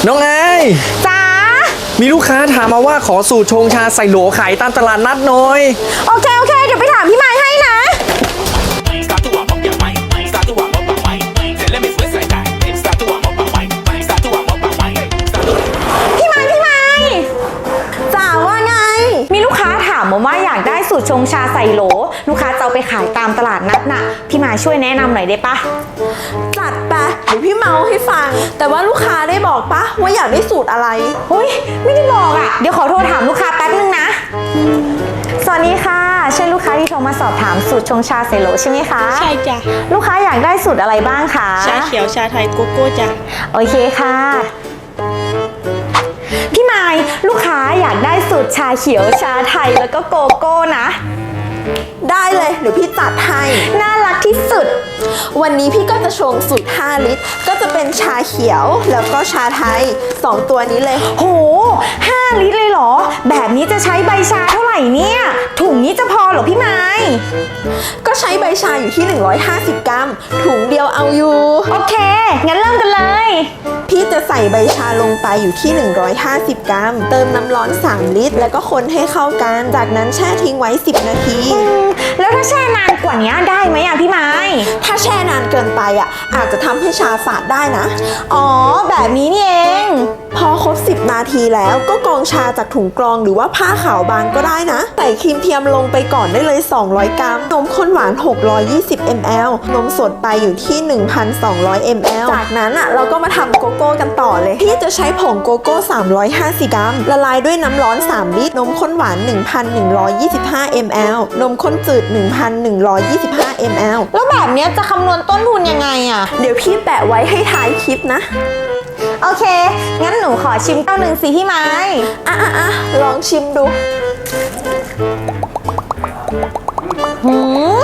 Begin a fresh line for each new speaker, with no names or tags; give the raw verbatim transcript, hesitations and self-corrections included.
น้องไอ
จ๋า
มีลูกค้าถามมาว่าขอสูตรชงชาใส่โหลขายตามตลาดนัดหน่อย
โอเคโอเคเดี๋ยวไปถามพี่ไม้ให้นะพี่ไม้พี่ไม้จ๋าว่าไงมีลูกค้าถามมาว่าอยากได้สูตรชงชาใส่โหลลูกค้าจะเอาไปขายตามตลาดนัดน่ะพี่ไม้ช่วยแนะนำหน่อยได้ปะ
จัดไปเดี๋ยวพี่เมาให้ฟังแต่ว่าลูกค้าได้บอกปะว่าอยากได้สูตรอะไร
เฮ้ยไม่ได้บอกอ่ะเดี๋ยวขอโทรถามลูกค้าแป๊บนึงนะสวัสดีค่ะใช่ลูกค้าที่โทรมาสอบถามสูตรชงชาใส่โหลใช่ไหมคะ
ใช่จ้ะ
ลูกค้าอยากได้สูตรอะไรบ้างคะ
ชาเขียวชาไทยโกโก้จ้ะ
โอเคค่ะพี่ไม้ลูกค้าอยากได้สูตรชาเขียวชาไทยแล้วก็โกโก้นะ
ได้เลยเดี๋ยวพี่จัดให้
น่ารักที่สุด
วันนี้พี่ก็จะชงสูตรห้าลิตรก็จะเป็นชาเขียวแล้วก็ชาไทยสองตัวนี้เลย
โหห้าลิตรเลยเหรอแบบนี้จะใช้ใบชาเท่าไหร่เนี่ยถุงนี้จะพอเหรอพี่ไม้
ก็ใช้ใบชาอยู่ที่หนึ่งร้อยห้าสิบกรัมถุงเดียวเอาอยู่
โอเคงั้นเริ่มกันเลย
พี่จะใส่ใบชาลงไปอยู่ที่หนึ่งร้อยห้าสิบกรัมเติมน้ำร้อนสามลิตรแล้วก็คนให้เข้ากันจากนั้นแช่ทิ้งไว้สิบนาที
แล้วถ้าแช่นานกว่านี้ได้ไหมอ่ะพี่ไม้
ถ้าแช่นานเกินไปอ่ะอาจจะทำให้ชาฝาดได้นะ
อ๋อแบบนี้นี่เอง
พอครบสิบนาทีแล้วก็กรองชาจากถุงกรองหรือว่าผ้าขาวบางก็ได้นะใส่ครีมเทียมลงไปก่อนได้เลยสองร้อยกรัมนมข้นหวานหกร้อยยี่สิบมิลลิลิตรนมสดไปอยู่ที่ หนึ่งพันสองร้อยมิลลิลิตร จากนั้นอ่ะเราก็มาทำโกโก้กันต่อเลยพี่จะใช้ผงโกโก้สามร้อยห้าสิบกรัมละลายด้วยน้ำร้อนสามลิตรนมข้นหวาน หนึ่งพันหนึ่งร้อยยี่สิบห้ามิลลิลิตร นมข้นจืด หนึ่งพันหนึ่งร้อยยี่สิบห้ามิลลิลิตร
แล้วแบบนี้จะคำนวณต้นทุนยังไงอ่ะ
เดี๋ยวพี่แปะไว้ให้ท้ายคลิปนะ
โอเคงั้นหนูขอชิมเต้าหนึ่งสิพี่ไม้
อ่ะอ่ะอ่ะลองชิมดู
หืม